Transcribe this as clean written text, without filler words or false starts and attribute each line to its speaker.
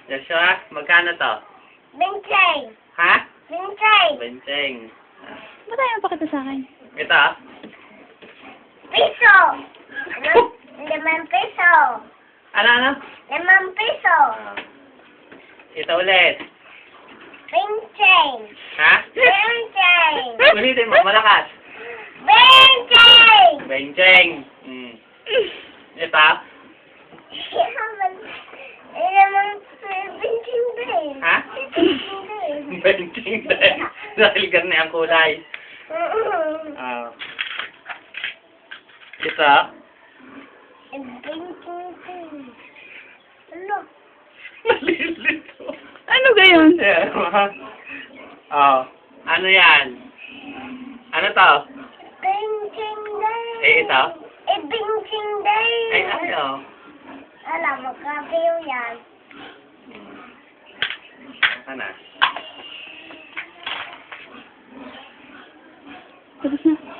Speaker 1: Joshua, magkano to?
Speaker 2: Benching.
Speaker 1: Ha?
Speaker 2: Benching.
Speaker 1: Benching.
Speaker 3: Ba't ayaw pakita sa akin?
Speaker 1: Ito?
Speaker 2: Piso. 5 piso.
Speaker 1: Ano?
Speaker 2: 5 piso.
Speaker 1: Ito ulit.
Speaker 2: Benching.
Speaker 1: Ha?
Speaker 2: Benching.
Speaker 1: Ulitin mo, malakas.
Speaker 2: Benching.
Speaker 1: Benching. Ito?
Speaker 2: Benching din.
Speaker 1: Ha?
Speaker 2: Benching din.
Speaker 1: Benching din. Dahil ganyan ang kulay. Ito?
Speaker 2: Benching din. Ano?
Speaker 1: Nalilito.
Speaker 3: Ano gayon?
Speaker 1: Ano yan? Ano to?
Speaker 2: Benching din.
Speaker 1: Ito?
Speaker 2: Benching din.
Speaker 1: Ayaw.
Speaker 2: Alam mo, kabiyo yan.
Speaker 1: Ano?
Speaker 3: Tapos na.